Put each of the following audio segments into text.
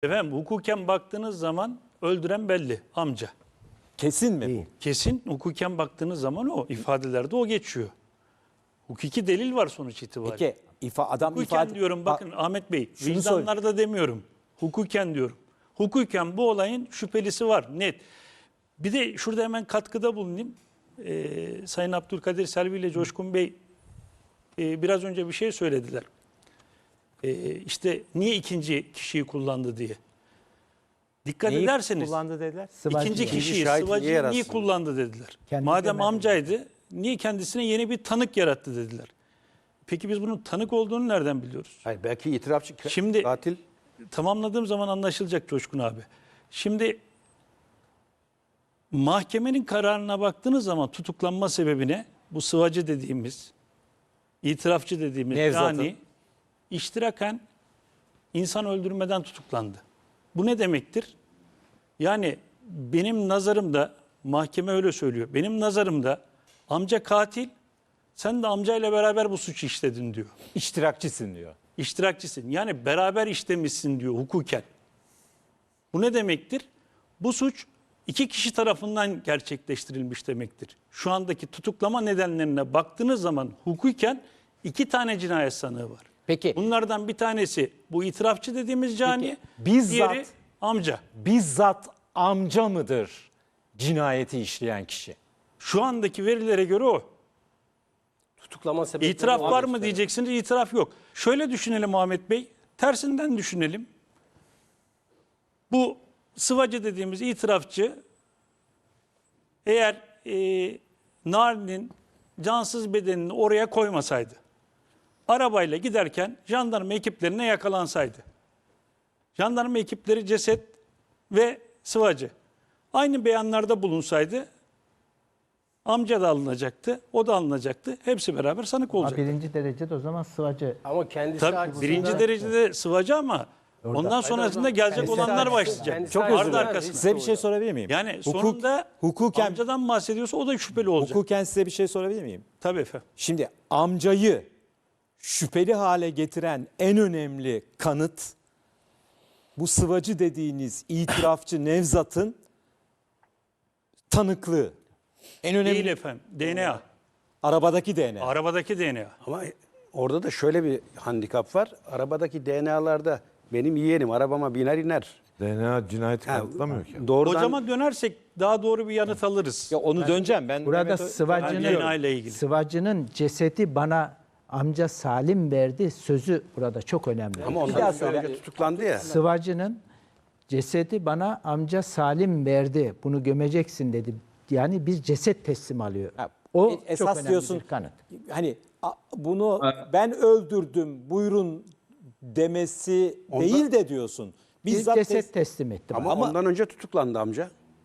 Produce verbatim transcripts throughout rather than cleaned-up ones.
Efendim hukuken baktığınız zaman öldüren belli, amca. Kesin mi bu? Kesin hukuken baktığınız zaman o ifadelerde o geçiyor. Hukuki delil var sonuç itibariyle. Peki ifa, adam Hukuken ifade... diyorum bakın Ahmet Bey, Şunu vicdanlarda demiyorum. Hukuken diyorum. Hukuken bu olayın şüphelisi var net. Bir de şurada hemen katkıda bulunayım. Ee, Sayın Abdülkadir Selvi ile Coşkun Bey e, biraz önce bir şey söylediler. Ee, işte niye ikinci kişiyi kullandı diye. Dikkat Neyi ederseniz kullandı dediler? Sıvacı. ikinci İkinci kişiyi şahit niye sıvacıyı yaratsın? niye kullandı dediler. Kendi Madem demedi. amcaydı niye kendisine yeni bir tanık yarattı dediler. Peki biz bunun tanık olduğunu nereden biliyoruz? Hayır, belki itirafçı ka- Şimdi- katil. Tamamladığım zaman anlaşılacak Coşkun abi. Şimdi mahkemenin kararına baktığınız zaman tutuklanma sebebine bu sıvacı dediğimiz, itirafçı dediğimiz Nevzat'ın. yani iştiraken insan öldürmeden tutuklandı. Bu ne demektir? Yani benim nazarımda, mahkeme öyle söylüyor, benim nazarımda amca katil, sen de amcayla beraber bu suçu işledin diyor. İştirakçısın diyor. İştirakçısın. Yani beraber işlemişsin diyor hukuken. Bu ne demektir? Bu suç iki kişi tarafından gerçekleştirilmiş demektir. Şu andaki tutuklama nedenlerine baktığınız zaman hukuken iki tane cinayet sanığı var. Peki Bunlardan bir tanesi bu itirafçı dediğimiz cani, Peki, bizzat- diğeri amca. bizzat amca mıdır cinayeti işleyen kişi? Şu andaki verilere göre o. Tutuklama sebepleri İtiraf var mı işte. diyeceksiniz, itiraf yok. Şöyle düşünelim Ahmet Bey, tersinden düşünelim. Bu sıvacı dediğimiz itirafçı eğer e, Narin'in cansız bedenini oraya koymasaydı, arabayla giderken jandarma ekiplerine yakalansaydı, jandarma ekipleri ceset ve sıvacı aynı beyanlarda bulunsaydı, amca da alınacaktı, o da alınacaktı. Hepsi beraber sanık Ha, olacaktı. birinci derecede o zaman sıvacı. Ama kendisi Tabii açısından- birinci derecede sıvacı ama ondan sonrasında gelecek Kendisi olanlar açısından- başlayacak. kendisi Çok açısından özür dilerim. arkasında. Size bir şey sorabilir miyim? Yani Hukuk- sonunda hukuken, amcadan bahsediyorsa o da şüpheli olacak. hukuken size bir şey sorabilir miyim? Tabii efendim. Şimdi amcayı şüpheli hale getiren en önemli kanıt bu sıvacı dediğiniz itirafçı Nevzat'ın tanıklığı. En önemli Değil efendim. D N A. arabadaki D N A. Arabadaki D N A. Ama orada da şöyle bir handikap var. Arabadaki D N A'larda benim yeğenim arabama biner iner. D N A cinayeti Ha, kanıtlamıyor ki. Doğrudan Hocama dönersek daha doğru bir yanıt alırız. Ya onu döneceğim ben. Burada Mehmet Ö- Ben sıvacının, D N A ile ilgili. sıvacının cesedi bana amca Salim verdi sözü burada çok önemli. ama daha ondan söyle. önce tutuklandı ya. Sıvacının cesedi bana amca Salim verdi. Bunu gömeceksin dedi. Yani bir ceset teslim alıyor. Ha, O esas çok önemli diyorsun, bir kanıt. Hani a- bunu ben öldürdüm buyurun demesi Ondan- değil de diyorsun. Bir Bizzat ceset tes- teslim etti Ama, bana. Ama- ondan önce tutuklandı amca.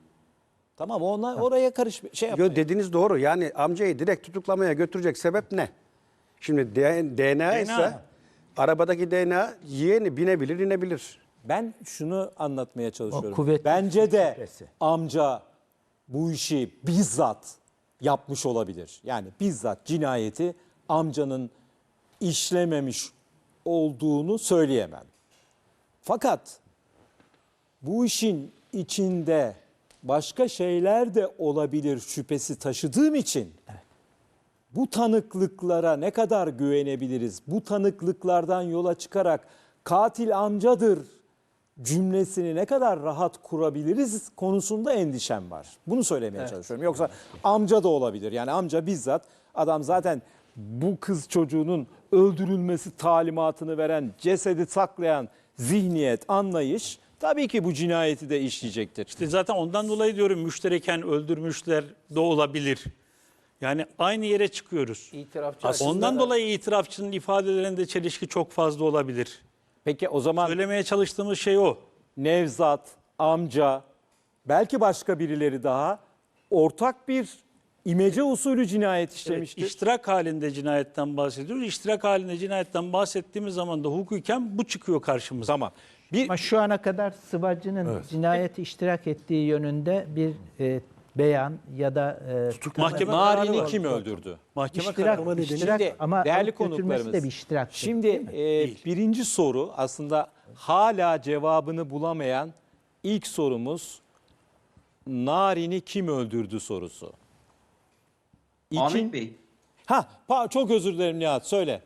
Tamam ona oraya karış şey yap. Yo, dediğiniz doğru. Yani amcayı direkt tutuklamaya götürecek sebep ne? Şimdi D- DNA ise arabadaki D N A yeğeni binebilir inebilir. Ben şunu anlatmaya çalışıyorum. kuvvetli Bence de şüphesi. amca bu işi bizzat yapmış olabilir. Yani bizzat cinayeti amcanın işlememiş olduğunu söyleyemem. Fakat bu işin içinde başka şeyler de olabilir şüphesi taşıdığım için bu tanıklıklara ne kadar güvenebiliriz? Bu tanıklıklardan yola çıkarak katil amcadır cümlesini ne kadar rahat kurabiliriz konusunda endişem var. Bunu söylemeye çalışıyorum. Yoksa amca da olabilir. Yani amca bizzat adam zaten bu kız çocuğunun öldürülmesi talimatını veren, cesedi saklayan zihniyet, anlayış tabii ki bu cinayeti de işleyecektir. İşte zaten ondan dolayı diyorum müştereken öldürmüşler de olabilir. Yani aynı yere çıkıyoruz. İtirafçı Ondan dolayı itirafçının ifadelerinde çelişki çok fazla olabilir. Peki o zaman Söylemeye çalıştığımız şey o. Nevzat, amca, belki başka birileri daha ortak bir imece usulü cinayet Evet, işlemiştir. iştirak halinde cinayetten bahsediyoruz. İştirak halinde cinayetten bahsettiğimiz zaman da hukuken bu çıkıyor karşımıza. Tamam. Bir Ama şu ana kadar sıvacının cinayeti iştirak ettiği yönünde bir e, beyan ya da e, Mahkeme kararı Narin'i var. kim öldürdü? Mahkeme iştirak, kararı. iştirak Şimdi ama değerli alıp götürmesi konuklarımız. de bir iştirak. Şimdi e, birinci soru aslında hala cevabını bulamayan ilk sorumuz Narin'i kim öldürdü sorusu. İkin... Ahmet Bey. Ha, pa- çok özür dilerim Nihat, söyle.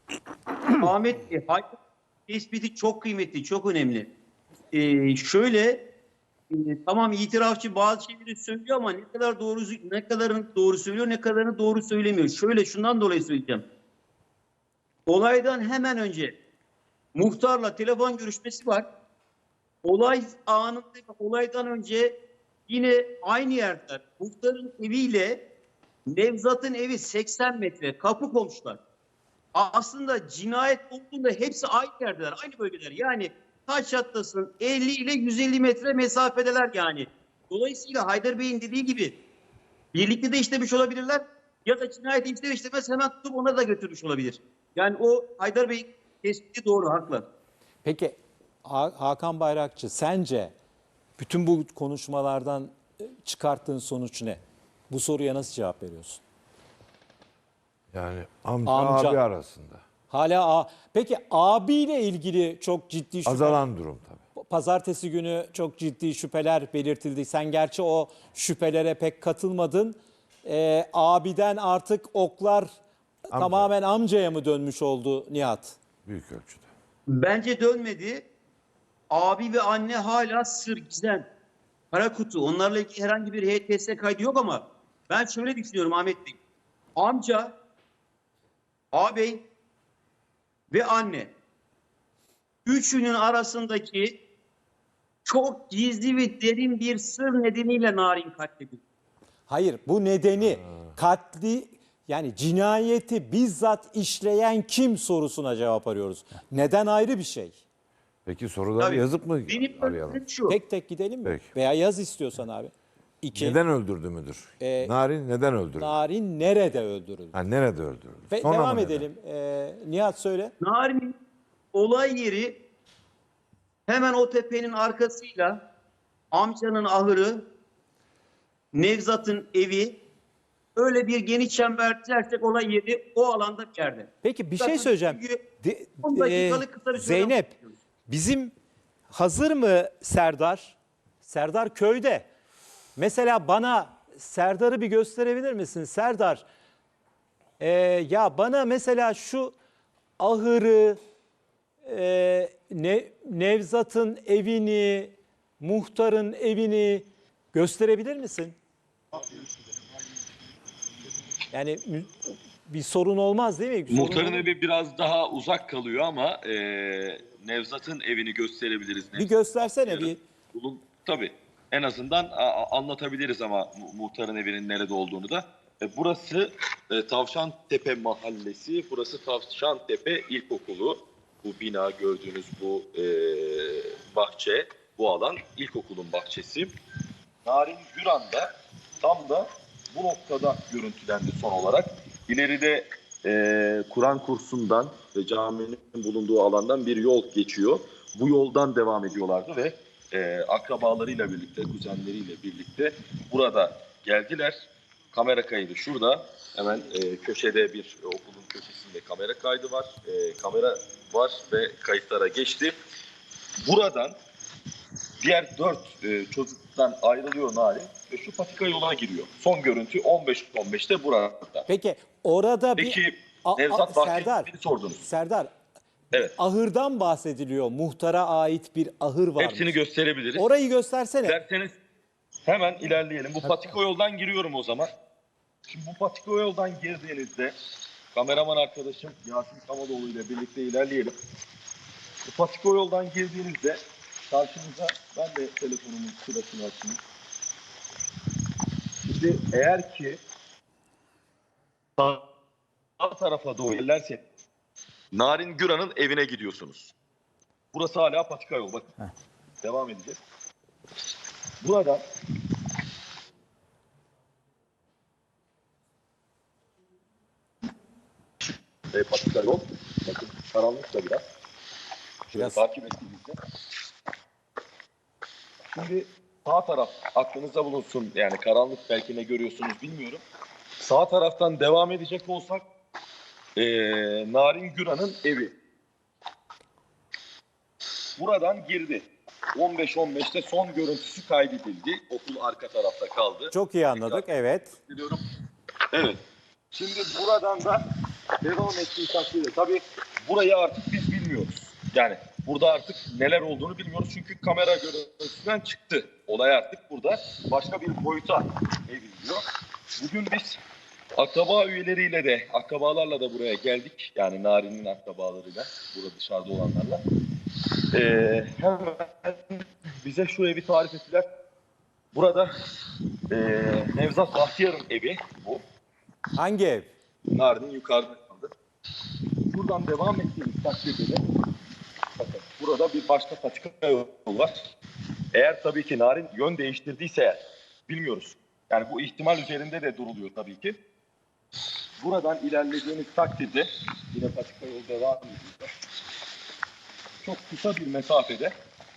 Ahmet Bey, hayat tespiti çok kıymetli, çok önemli. Ee, şöyle, e, tamam itirafçı bazı şeyleri söylüyor ama ne kadar doğru, ne kadarını doğru söylüyor, ne kadarını doğru söylemiyor. Şöyle, şundan dolayı söyleyeceğim. Olaydan hemen önce muhtarla telefon görüşmesi var. Olay anında, olaydan önce yine aynı yerde muhtarın eviyle Nevzat'ın evi seksen metre, kapı komşular. Aslında cinayet olduğunda hepsi aynı yerdeler, aynı bölgeler. Yani taş çatlasın elli ile yüz elli metre mesafedeler yani. Dolayısıyla Haydar Bey'in dediği gibi birlikte de işlemiş olabilirler ya da cinayeti işler işlemez hemen tutup ona da götürmüş olabilir. Yani o Haydar Bey'in tespiti doğru, haklı. Peki Ha- Hakan Bayrakçı, sence bütün bu konuşmalardan e, çıkarttığın sonuç ne? Bu soruya nasıl cevap veriyorsun? Yani amca, Amca. abi arasında. Hala a Peki abiyle ilgili çok ciddi şüphe. Azalan durum tabii. Pazartesi günü çok ciddi şüpheler belirtildi. Sen gerçi o şüphelere pek katılmadın. Ee, abiden artık oklar tamamen amcaya mı dönmüş oldu Nihat? Büyük ölçüde. Bence dönmedi. Abi ve anne hala sır, gizem. Kara kutu. Onlarla ilgili herhangi bir H T S kaydı yok ama ben şöyle düşünüyorum Ahmet Bey. Amca, ağabey ve anne. Üçünün arasındaki çok gizli ve derin bir sır nedeniyle Narin katledildi. Hayır, bu nedeni katli, yani cinayeti bizzat işleyen kim sorusuna cevap arıyoruz. Neden ayrı bir şey. Peki soruları Tabii. yazıp mı Benim arayalım? önerim şu. Tek tek gidelim mi? Peki. Veya yaz istiyorsan abi. İki, Neden öldürdü müdür? Ee, Narin neden öldürdü? Narin nerede öldürüldü? Ha, nerede öldürüldü? Ve Sonra devam mı neden? edelim. Ee, Nihat söyle. Narin'in olay yeri hemen o tepenin arkasıyla amcanın ahırı, Nevzat'ın evi, öyle bir geniş çember çizersek olay yeri o alanda bir yerde. Peki bir Zaten şey söyleyeceğim. çünkü De- on e, dakikalık kısa bir süre Zeynep, bahsediyoruz. bizim hazır mı Serdar? Serdar köyde. Mesela bana Serdar'ı bir gösterebilir misin? Serdar, e, ya bana mesela şu ahırı, e, ne, Nevzat'ın evini, muhtarın evini gösterebilir misin? Yani mü- bir sorun olmaz değil mi? Sorun Muhtarın olur mu? evi biraz daha uzak kalıyor ama e, Nevzat'ın evini gösterebiliriz. Bir göstersene bir. Bulun, tabii. En azından a, a- anlatabiliriz ama mu- muhtarın evinin nerede olduğunu da. E, burası e, Tavşantepe Mahallesi, burası Tavşantepe İlkokulu. Bu bina gördüğünüz bu e, bahçe, bu alan ilkokulun bahçesi. Narin Güran da tam da bu noktada görüntülendi son olarak. İleride e, Kur'an kursundan ve caminin bulunduğu alandan bir yol geçiyor. Bu yoldan devam ediyorlardı ve e, akrabalarıyla birlikte, kuzenleriyle birlikte burada geldiler. Kamera kaydı şurada. Hemen e, köşede bir e, okulun köşesinde kamera kaydı var. E, kamera var ve kayıtlara geçti. Buradan diğer dört e, çocuktan ayrılıyor Narin ve şu patika yola giriyor. Son görüntü on beş on beşte burada. Peki orada bir Peki A- a- Nevzat Serdar, Bahçeli'ni sordunuz. Serdar, Evet. ahırdan bahsediliyor. Muhtara ait bir ahır var. Hepsini gösterebiliriz. Orayı göstersene. Derseniz hemen ilerleyelim. Bu patika yoldan giriyorum o zaman. Şimdi bu patika yoldan girdiğinizde kameraman arkadaşım Yasin Kamadoğlu ile birlikte ilerleyelim. Bu patika yoldan girdiğinizde karşınıza, ben de telefonumun sırasını açayım. Şimdi eğer ki sağ sağ tarafa doğru ilerlerseniz Narin Güran'ın evine gidiyorsunuz. Burası hala patika yol. Bakın. Devam edeceğiz. Burada e, patika yol. Bakın karanlık da biraz. Şöyle Biraz. takip ettiğinizde. Şimdi sağ taraf aklınızda bulunsun. Yani karanlık, belki ne görüyorsunuz bilmiyorum. Sağ taraftan devam edecek olsak e, Narin Güran'ın evi. buradan girdi. on beş on beşte son görüntüsü kaydedildi. Okul arka tarafta kaldı. Çok iyi anladık, evet. Biliyorum. Evet. Şimdi buradan da devam ettiği takdirde tabii burayı artık biz bilmiyoruz. Yani burada artık neler olduğunu bilmiyoruz çünkü kamera görüntüsünden çıktı. Olay artık burada başka bir boyuta evriliyor. Bugün biz akraba üyeleriyle de, akrabalarla da buraya geldik. Yani Narin'in akrabalarıyla, burada dışarıda olanlarla. Ee, hemen bize şu evi tarif ettiler. Burada e, Nevzat Bahtiyar'ın evi bu. Hangi ev? Narin'in yukarıda kaldı. Buradan devam ettiğimiz takdirde de bakın burada bir başka patika yolu var. Eğer tabii ki Narin yön değiştirdiyse eğer, bilmiyoruz. Yani bu ihtimal üzerinde de duruluyor tabii ki. Buradan ilerlediğimiz takdirde yine patika yolu devam ediyor. Çok kısa bir mesafede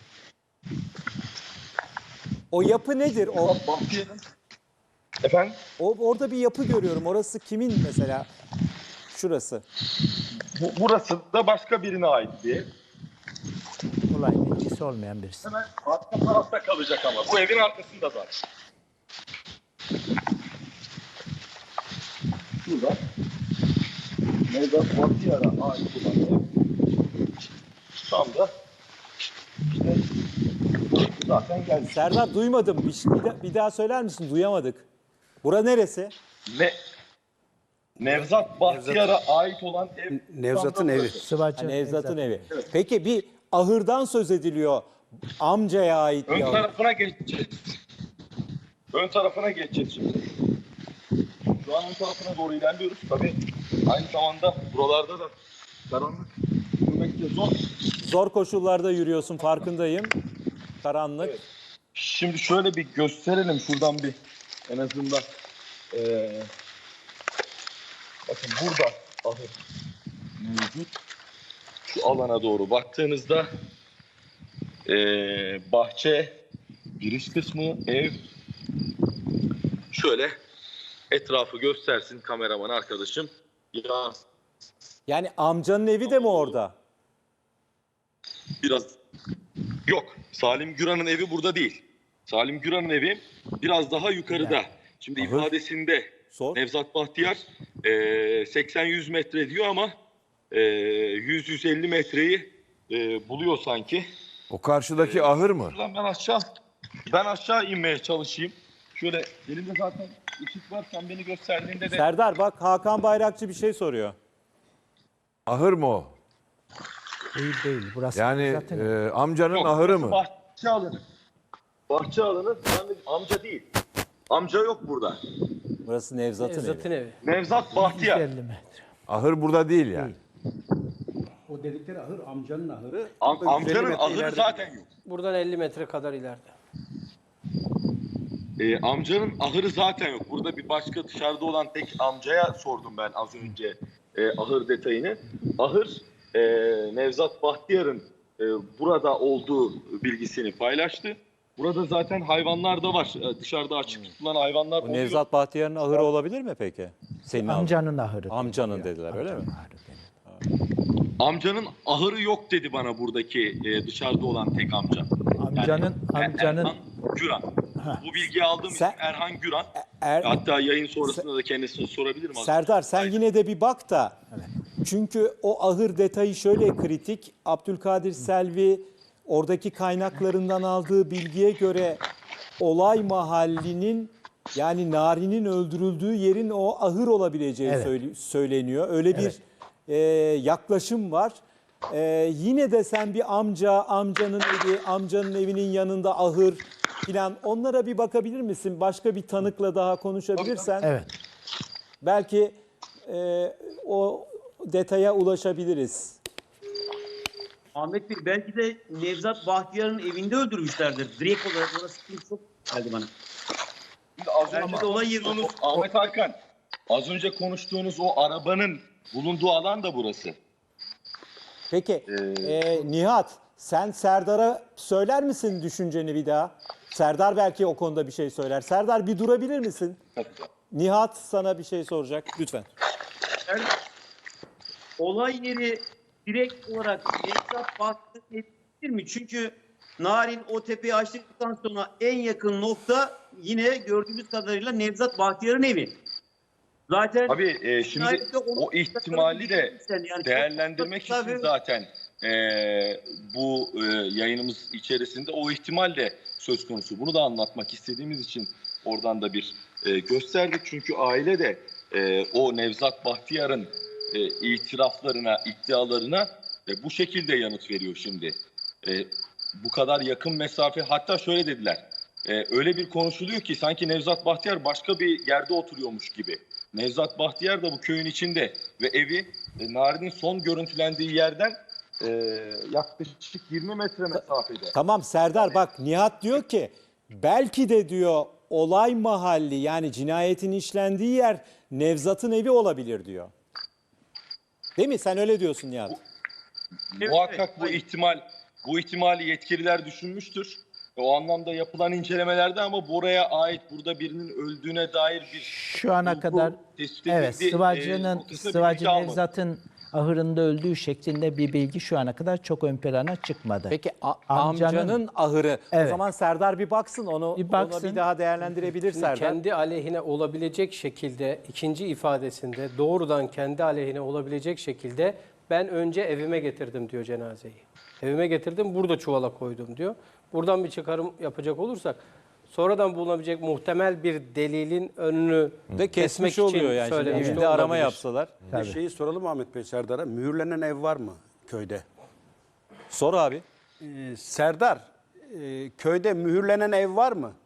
O yapı nedir? O, Bahtiyar'ın efendim o orada bir yapı görüyorum. Orası kimin mesela? Şurası. bu, burası da başka birine ait bir ev. Olayın ilgisi olmayan birisi. Hemen arka tarafta kalacak ama. Bu evin arkasında zaten. Şurada Nevzat Bahtiyar'a ait olan ev. Tam da işte zaten gelmiş. Serdar duymadım. Bir, bir, da- bir daha söyler misin? Duyamadık. Bura neresi? Ne? Nevzat Bahtiyar'a ait olan ev. Nevzat'ın tam da evi. burası. Sıvacı. Ha, Nevzat'ın Nevzat. evi. Peki bir ahırdan söz ediliyor. Amcaya ait Ön bir ahır. tarafına geçeceğiz. Ön tarafına geçeceğiz şimdi. Şu an ön tarafına doğru ilerliyoruz. Tabii aynı zamanda buralarda da karanlık yürümek de zor. Zor koşullarda yürüyorsun, farkındayım. Karanlık. Evet. Şimdi şöyle bir gösterelim şuradan bir en azından. Ee, bakın burada ahır mevcut. Şu alana doğru baktığınızda ee, bahçe, giriş kısmı, ev. Şöyle etrafı göstersin kameraman arkadaşım. Ya Yani amcanın evi de mi orada? biraz yok. Salim Güran'ın evi burada değil. Salim Güran'ın evi biraz daha yukarıda. Şimdi Ahır. ifadesinde Sor. Nevzat Bahtiyar e, seksen yüz metre diyor ama e, yüz yüz elli metreyi e, buluyor sanki. O karşıdaki ahır mı? Buradan ben aşağı ben aşağı inmeye çalışayım. Şöyle elimde zaten ışık var. Sen beni gösterdiğinde de Serdar bak Hakan Bayrakçı bir şey soruyor. Ahır mı o? Değil değil. Burası Yani zaten e, amcanın Yok, ahırı burası mı? Bahçe alanı. Bahçe alanı yani amca değil. Amca yok burada. Burası Nevzat'ın, Nevzat'ın evi. evi. Nevzat Bahtiyar. yüz elli metre. Ahır burada değil yani. O dedikleri ahır amcanın ahırı. Am- amcanın metre ahırı ileride. zaten yok. Buradan elli metre kadar ileride. Ee, amcanın ahırı zaten yok. Burada bir başka dışarıda olan tek amcaya sordum ben az önce e, ahır detayını. Ahır e, Nevzat Bahtiyar'ın e, burada olduğu bilgisini paylaştı. Burada zaten hayvanlar da var. E, dışarıda açık tutulan hayvanlar Bu oluyor. Nevzat Bahtiyar'ın ahırı olabilir mi peki? Senin ahırın. Amcanın ahırı. Amcanın dediler öyle mi? Amcanın ahırı dedi. Amcanın ahırı yok dedi bana buradaki e, dışarıda olan tek amca. Amcanın Er- amcanın Erhan Güran. Bu bilgiyi aldığım Sen- isim Erhan Güran. Er- Hatta yayın sonrasında da kendisine sorabilirim. az- Serdar sen yine de bir bak da. Çünkü o ahır detayı şöyle kritik. Abdülkadir Selvi oradaki kaynaklarından aldığı bilgiye göre olay mahallinin yani Nari'nin öldürüldüğü yerin o ahır olabileceği Evet. söyle- söyleniyor. Öyle bir e, yaklaşım var. E, yine de sen bir amca, amcanın evi, amcanın evinin yanında ahır filan onlara bir bakabilir misin? Başka bir tanıkla daha konuşabilirsen. evet. Belki e, o detaya ulaşabiliriz. Ahmet Bey belki de Nevzat Bahtiyar'ın evinde öldürmüşlerdir. Direkt olarak orası çok geldi bana. Şimdi az Bence önce de olay yeri- konuştuğunuz Ahmet Hakan, az önce konuştuğunuz o arabanın bulunduğu alan da burası. Peki e, Nihat sen Serdar'a söyler misin düşünceni bir daha? Serdar belki o konuda bir şey söyler. Serdar bir durabilir misin? Nihat sana bir şey soracak lütfen. Yani olay yeri direkt olarak Nevzat Bahtiyar'ın evi olabilir mi? Çünkü Narin o tepeyi açtıktan sonra en yakın nokta yine gördüğümüz kadarıyla Nevzat Bahtiyar'ın evi. Zaten Tabii e, şimdi cinayette onu- o ihtimali de Yani çok değerlendirmek kısa için ve- zaten e, bu e, yayınımız içerisinde o ihtimal de söz konusu. Bunu da anlatmak istediğimiz için oradan da bir e, gösterdik. Çünkü aile de e, o Nevzat Bahtiyar'ın e, itiraflarına, iddialarına e, bu şekilde yanıt veriyor şimdi. E, bu kadar yakın mesafe, hatta şöyle dediler. E, öyle bir konuşuluyor ki sanki Nevzat Bahtiyar başka bir yerde oturuyormuş gibi. Nevzat Bahtiyar da bu köyün içinde ve evi e, Narin'in son görüntülendiği yerden e, yaklaşık yirmi metre mesafede. Tamam Serdar, bak Nihat diyor ki belki de diyor olay mahalli, yani cinayetin işlendiği yer Nevzat'ın evi olabilir diyor. Değil mi? Sen öyle diyorsun Nihat. Evet, Muhakkak evet, bu hayır. ihtimal bu ihtimali yetkililer düşünmüştür. E, O anlamda yapılan incelemelerde ama buraya ait, burada birinin öldüğüne dair bir Şu ana bulgu kadar tespit evet edildi, e, Sıvacı'nın noktasında bir Sıvacı bilgi almadık. Nevzat'ın ahırında öldüğü şeklinde bir bilgi şu ana kadar çok ön plana çıkmadı. Peki a- Amcanın- amcanın ahırı. O Evet. zaman Serdar bir baksın, onu Bir onu baksın. bir daha değerlendirebilir Şimdi Serdar. kendi aleyhine olabilecek şekilde ikinci ifadesinde doğrudan kendi aleyhine olabilecek şekilde ben önce evime getirdim diyor cenazeyi. Evime getirdim, burada çuvala koydum diyor. Buradan bir çıkarım yapacak olursak sonradan bulunabilecek muhtemel bir delilin önünü Ve kesmek kesmiş için oluyor yani. Şimdi söylemiş de evinde arama olabilir. yapsalar. Bir de şeyi soralım Ahmet Bey Serdar'a. Mühürlenen ev var mı köyde? Sor abi. Ee, Serdar, e, köyde mühürlenen ev var mı?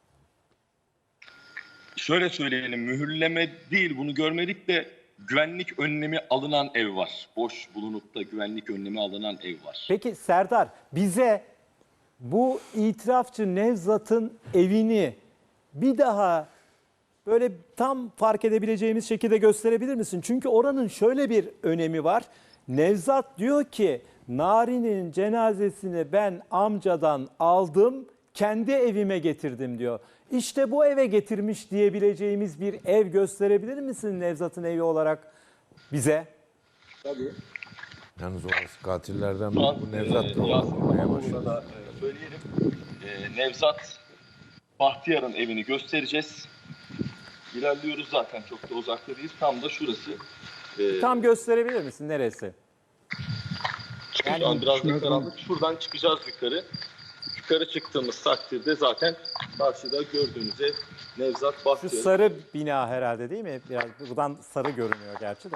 Şöyle söyleyelim, mühürleme değil, bunu görmedik de güvenlik önlemi alınan ev var. Boş bulunup da güvenlik önlemi alınan ev var. Peki Serdar, bize bu itirafçı Nevzat'ın evini bir daha böyle tam fark edebileceğimiz şekilde gösterebilir misin? Çünkü oranın şöyle bir önemi var. Nevzat diyor ki Narin'in cenazesini ben amcadan aldım, kendi evime getirdim diyor. İşte bu eve getirmiş diyebileceğimiz bir ev gösterebilir misin Nevzat'ın evi olarak bize? Yalnız orası katillerden Şu an, bu Nevzat da e, Yasin olmaya Bey'in başladı. da, e, söyleyelim. E, Nevzat Bahtiyar'ın evini göstereceğiz. İlerliyoruz zaten, çok da uzakta değiliz. Tam da şurası. E, Tam gösterebilir misin neresi? Şu an biraz da karanlık. Şuradan çıkacağız yukarı. Yukarı çıktığımız takdirde zaten karşıda gördüğünüz ev Nevzat Şu Bahtiyar. sarı bina herhalde değil mi? Biraz buradan sarı görünüyor gerçi de.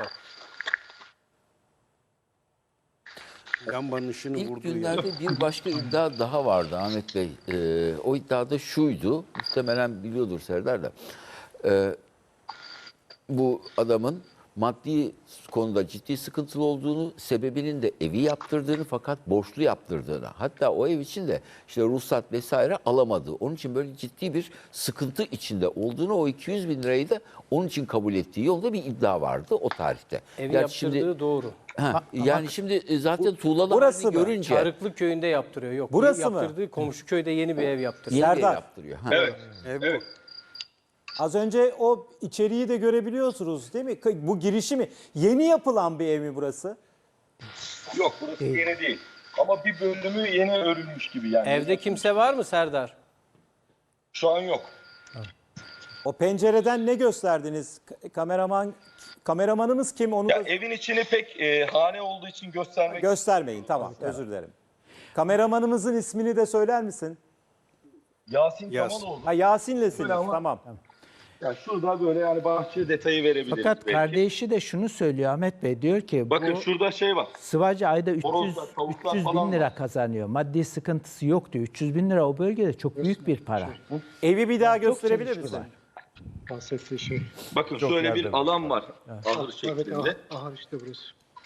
Lambanın ışını İlk vurduğu yer. günlerde bir başka iddia daha vardı Ahmet Bey. Ee, o iddia da şuydu, muhtemelen biliyordur Serdar da. Ee, bu adamın maddi konuda ciddi sıkıntılı olduğunu, sebebinin de evi yaptırdığını fakat borçlu yaptırdığını, hatta o ev için de işte ruhsat vesaire alamadığı, onun için böyle ciddi bir sıkıntı içinde olduğunu, o iki yüz bin lirayı da onun için kabul ettiği yolda bir iddia vardı o tarihte. Evi Gerçi yaptırdığı şimdi, doğru. ha, yani şimdi e, zaten tuğlalı burası halini mı? görünce Çarıklı köyünde yaptırıyor. Yok. Burası mı? yaptırdığı komşu köyde yeni bir ev yaptırıyor. yeni bir ev Serdar. yaptırıyor. Ha. Evet. Ev bu. Evet. Az önce o içeriği de görebiliyorsunuz değil mi? Bu girişi mi? Yeni yapılan bir ev mi burası? Yok, burası yeni değil. Ama bir bölümü yeni örülmüş gibi yani. Evde kimse var mı Serdar? Şu an yok. O pencereden ne gösterdiniz? K- Kameraman kameramanımız kim? Onu Ya da evin içini pek e, hane olduğu için göstermek göstermeyin. Tamam, özür dilerim. Kameramanımızın ismini de söyler misin? Yasin Yasin. Kamaloğlu. Ha Yasin'lesiniz. Öyle ama- Tamam. Ya şurada böyle yani bahçe detayı verebiliriz. Fakat belki. kardeşi de şunu söylüyor Ahmet Bey, diyor ki Bakın bu şurada şey var. Sıvacı ayda üç yüz, Horozlar, tavuklar üç yüz falan bin lira var. kazanıyor. Maddi sıkıntısı yok diyor. üç yüz bin lira o bölgede çok büyük bir para. Evi bir daha gösterebilir misin? Bahsettiği şey. Bakın şöyle bir alan var. Ahır şeklinde. Aha işte burası.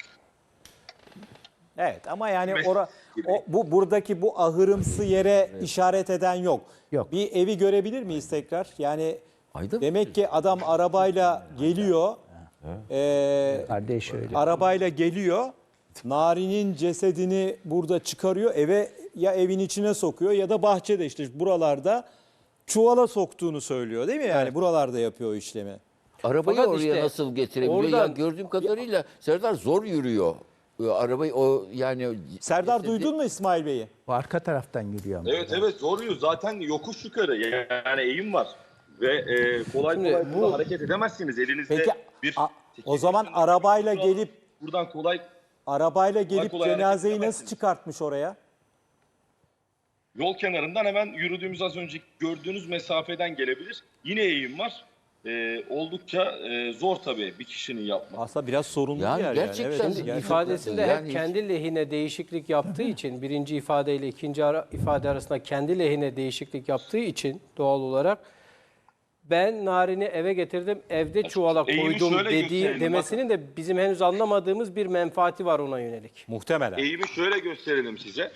Evet ama yani Mes- ora, o, bu buradaki bu ahırımsı yere işaret eden yok. Yok. Bir evi görebilir miyiz tekrar? Yani Ayda mı? demek ki adam arabayla geliyor. Ee, Kardeş öyle. arabayla geliyor. Nari'nin cesedini burada çıkarıyor. Eve ya evin içine sokuyor ya da bahçede işte buralarda çuvala soktuğunu söylüyor değil mi? Yani buralarda yapıyor o işlemi. Arabayı Fakat oraya işte nasıl getirebiliyor? Ya oradan- gördüğüm kadarıyla Serdar zor yürüyor. e, arabayı o yani Serdar cesedi- duydun mu İsmail Bey'i? O arka taraftan yürüyor ama. Evet evet zor yol. Zaten yokuş yukarı yani eğim var. Ve e, kolay Şimdi kolay bu- burada hareket edemezsiniz. Elinizde Peki bir... a- o zaman arabayla gelip Buradan kolay arabayla gelip kolay hareket cenazeyi nasıl edemezsiniz. çıkartmış oraya? yol kenarından hemen yürüdüğümüz az önce gördüğünüz mesafeden gelebilir. Yine eğim var. E, oldukça e, zor tabii bir kişinin yapması. Aslında biraz sorunlu Yani bir yer gerçekten yani. Evet, Şimdi gerçekten. İfadesinde Yani hep hiç- kendi lehine değişiklik yaptığı için, birinci ifadeyle ikinci ara, ifade arasında kendi lehine değişiklik yaptığı için doğal olarak ben Narin'i eve getirdim, evde çuvala Eğimi koydum şöyle dediği gösterelim, demesinin de bizim henüz anlamadığımız bir menfaati var ona yönelik. Muhtemelen. Eğimi şöyle gösterelim size.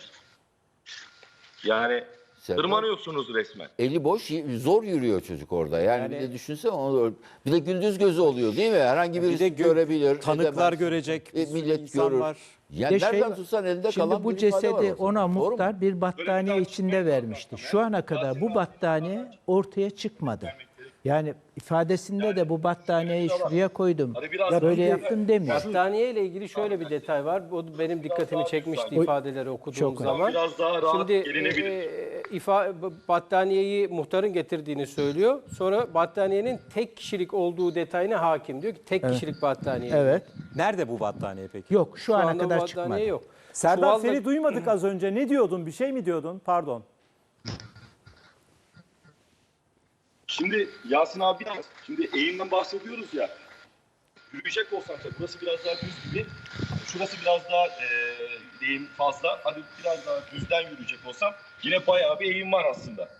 Yani Serdar. tırmanıyorsunuz resmen. Eli boş y- zor yürüyor çocuk orada. Yani, bir de düşünsene onu bir de gündüz gözü oluyor değil mi? Herhangi Bir birisi de gö- görebilir. tanıklar edemez. görecek, bir E, sürü millet insan görür. var. Yani Bir de nereden şey- tutsan elinde Şimdi kalan bu bir ifade var cesedi ortada. ona Doğru mu? muhtar bir battaniye içinde vermişti. Şu ana kadar bu battaniye ortaya çıkmadı. Yani ifadesinde de bu battaniyeyi şuraya koydum, Hani biraz- böyle yaptım demiyor. Battaniye ile ilgili şöyle bir detay var. O benim dikkatimi çekmişti ifadeleri okuduğum Çok zaman. Biraz daha rahat Şimdi gelinebilir. e, ifa, battaniyeyi muhtarın getirdiğini söylüyor. Sonra battaniyenin tek kişilik olduğu detayına hakim. Diyor ki tek kişilik battaniye. Evet. Nerede bu battaniye peki? Yok şu, Şu ana anda kadar battaniye çıkmadı. yok. Serdar Çuvalla- seni duymadık az önce. Ne diyordun? Bir şey mi diyordun? Pardon. Şimdi Yasin abi biraz, şimdi eğimden bahsediyoruz ya. Yürüyecek olsam tabii burası biraz daha düz gibi. Şurası biraz daha e, eğim fazla. Hadi biraz daha düzden yürüyecek olsam yine bayağı bir eğim var aslında.